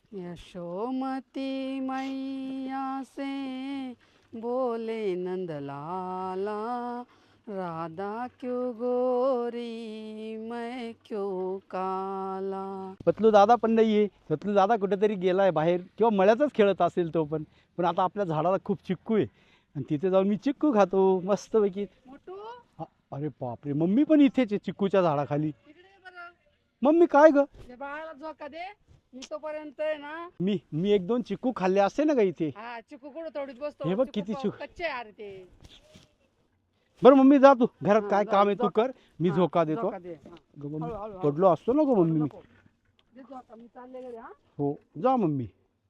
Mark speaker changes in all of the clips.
Speaker 1: यशोमती मैया से बोले नंदलाला, राधा क्यों गोरी मैं क्यों काला.
Speaker 2: पतलू दादा पण नाहीये. पतलू दादा कुठेतरी गेलाय बाहेर किंवा मळ्यातच खेळत असेल तो पण. पण आता आपल्या झाडाला खूप चिक्कू आहे आणि तिथे जाऊन मी चिक्कू खातो मस्तपैकी.
Speaker 1: मोटू
Speaker 2: अरे बापरे, मम्मी पण इथेच आहे चिक्कूच्या झाडाखाली.
Speaker 1: इकडे ये बरं.
Speaker 2: मम्मी काय ग?
Speaker 1: ते बाळाला झोका दे. मी तोपर्यंत आहे ना.
Speaker 2: मी एक दोन चिक्कू खाल्ले असते ना ग इथे.
Speaker 1: हा चिकू कुठं तोडीत बसतो.
Speaker 2: हे बघ
Speaker 1: चिकू
Speaker 2: किती
Speaker 1: पाव
Speaker 2: चिकू.
Speaker 1: कच्चे आहे अरे ते.
Speaker 2: बरं मम्मी जा तू घरात,
Speaker 1: हा,
Speaker 2: काय
Speaker 1: जा,
Speaker 2: काम आहे तू
Speaker 1: झोका.
Speaker 2: कर, मी
Speaker 1: हा,
Speaker 2: झोका देतो.
Speaker 1: झोका दे. हा.
Speaker 2: ग मम्मी,
Speaker 1: हळू, हळू, हळू.
Speaker 2: पडलो असतो ना ग मम्मी मी.
Speaker 1: नको. दे झोका, मी चालले घरी. हा
Speaker 2: हो जा मम्मी.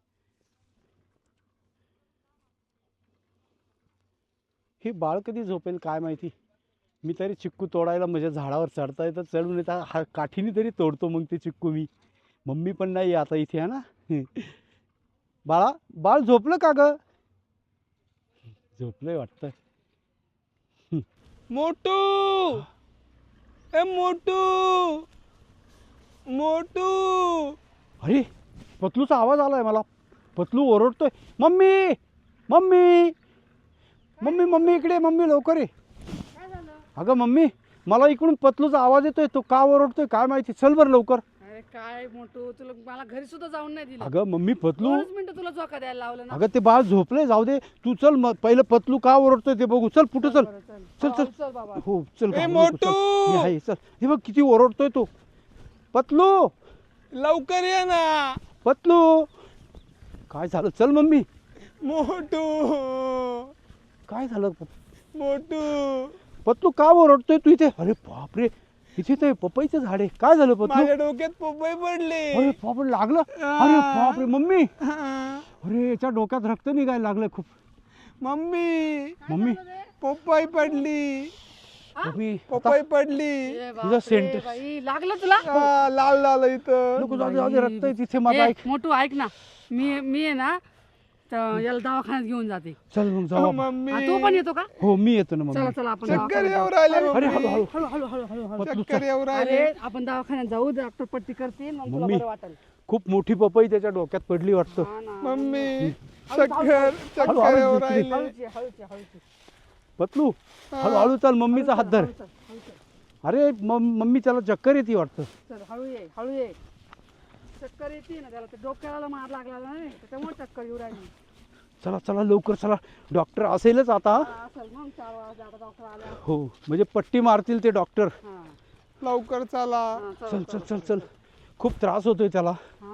Speaker 2: हे बाळ कधी झोपेल काय माहिती. मी तरी चिक्कू तोडायला म्हणजे झाडावर चढता येतं, चढून येतं हा काठीने तरी तोडतो मग ते चिक्कू मी. मम्मी पण नाही आता इथे आहे ना. बाळा, बाळ झोपलं का ग? झोपलंय वाटतं.
Speaker 3: मोटू, ए मोटू, मोटू.
Speaker 2: अरे पतलूचा आवाज आलाय मला. पतलू ओरडतोय मम्मी मम्मी मम्मी मम्मी इकडे, मम्मी लवकर ये.
Speaker 1: काय झालं?
Speaker 2: अगं मम्मी, मला इकडून पतलूचा आवाज येतोय, तो का ओरडतोय काय माहिती. चल बरं लवकर.
Speaker 1: अरे काय मोटू, तुला मला घरी सुद्धा जाऊन नाही दिलं.
Speaker 2: अगं मम्मी पतलू,
Speaker 1: 2 मिनिटं तुला झोका द्यायला लावलं ना.
Speaker 2: अगं ते बाळ झोपलंय, जाऊ दे तू. चल मग पहिलं पतलू का ओरडतोय ते बघू. चल पुढे चल.
Speaker 1: बरं, चल.
Speaker 2: चल, चल.
Speaker 1: हळू चल बाबा.
Speaker 2: हो चल.
Speaker 3: ए,
Speaker 2: घाबरू नको,
Speaker 3: मोटू!
Speaker 2: चल. मी आहे, चल. हे बघ किती ओरडतोय तो. पतलू,
Speaker 3: लवकर ये ना.
Speaker 2: पतलू, काय झालं? चल मम्मी.
Speaker 3: मोटू,
Speaker 2: काय झालं?
Speaker 3: मोटू.
Speaker 2: पतलू का ओरडतोय तू इथे? अरे बापरे, इथे ते पपईचं झाड आहे. काय झालं पतलू?
Speaker 3: माझ्या डोक्यात पपई पडले.
Speaker 2: अरे बापरे, लागलं? अरे बापरे मम्मी,
Speaker 3: हा.
Speaker 2: अरे याच्या डोक्यात रक्त निघायला लागलं खूप.
Speaker 3: मम्मी,
Speaker 2: मम्मी,
Speaker 3: पपई पडली.
Speaker 2: मम्मी
Speaker 3: पपई पडली.
Speaker 1: ए
Speaker 2: तुझं
Speaker 1: बापरे,
Speaker 2: सेंटर.
Speaker 1: बाई लागलं तुला?
Speaker 3: लाल झालं इथं.
Speaker 2: नको जाऊ दे, रक्त आहे तिथे माझं.
Speaker 1: ए,
Speaker 2: ऐक,
Speaker 1: मोटू ऐक ना. मी आहे ना तर याला दवाखान्यात घेऊन जाते.
Speaker 2: चल मग
Speaker 3: हो,
Speaker 2: जाऊ.
Speaker 1: हा,
Speaker 3: मम्मी,
Speaker 1: तू पण येतो का?
Speaker 2: हो मी येतो ना
Speaker 1: चला
Speaker 2: मम्मी.
Speaker 1: चला आपण
Speaker 3: चक्कर
Speaker 1: दवाखान्यात
Speaker 3: येऊ
Speaker 1: जाऊ.
Speaker 3: राहिले.
Speaker 2: अरे
Speaker 3: मम्मी.
Speaker 2: हळू
Speaker 1: हळू हळू हळू हळू हळू.
Speaker 2: पतलू
Speaker 3: चक्कर
Speaker 2: चल.
Speaker 3: येऊ
Speaker 1: अरे
Speaker 3: राहिले.
Speaker 1: आपण दवाखान्यात जाऊ, डॉक्टर पट्टी करतील मग तुला
Speaker 2: मम्मी.
Speaker 1: बरं वाटेल.
Speaker 2: खूप मोठी पपई त्याच्या डोक्यात पडली वाटतं.
Speaker 1: हा ना.
Speaker 3: मम्मी,
Speaker 1: हळू,
Speaker 3: चक्कर
Speaker 2: हळू,
Speaker 3: येऊ
Speaker 2: हळू,
Speaker 3: राहिले.
Speaker 1: हळूच ये, हळूच ये, हळूच ये.
Speaker 2: पतलू हळू चल, मम्मीचा हात धर.
Speaker 1: हळू चल, हळू चल.
Speaker 2: अरे मम्मी त्याला चक्कर येते वाटतं.
Speaker 1: चल हळू ये, हळू ये. चक्कर येते ना त्याला, ते डोक्याला मार लागला नाही त्याच्यामुळे चक्कर येऊ राहिली.
Speaker 2: चला चला लवकर चला, डॉक्टर असेलच आता.
Speaker 1: हा, असेल मग 4 वाजता आता डॉक्टर आल्या.
Speaker 2: हो म्हणजे पट्टी मारतील ते डॉक्टर.
Speaker 1: हा,
Speaker 3: लवकर चला.
Speaker 1: हा,
Speaker 2: चल चल चल चल, खूप त्रास होतोय त्याला.
Speaker 1: हा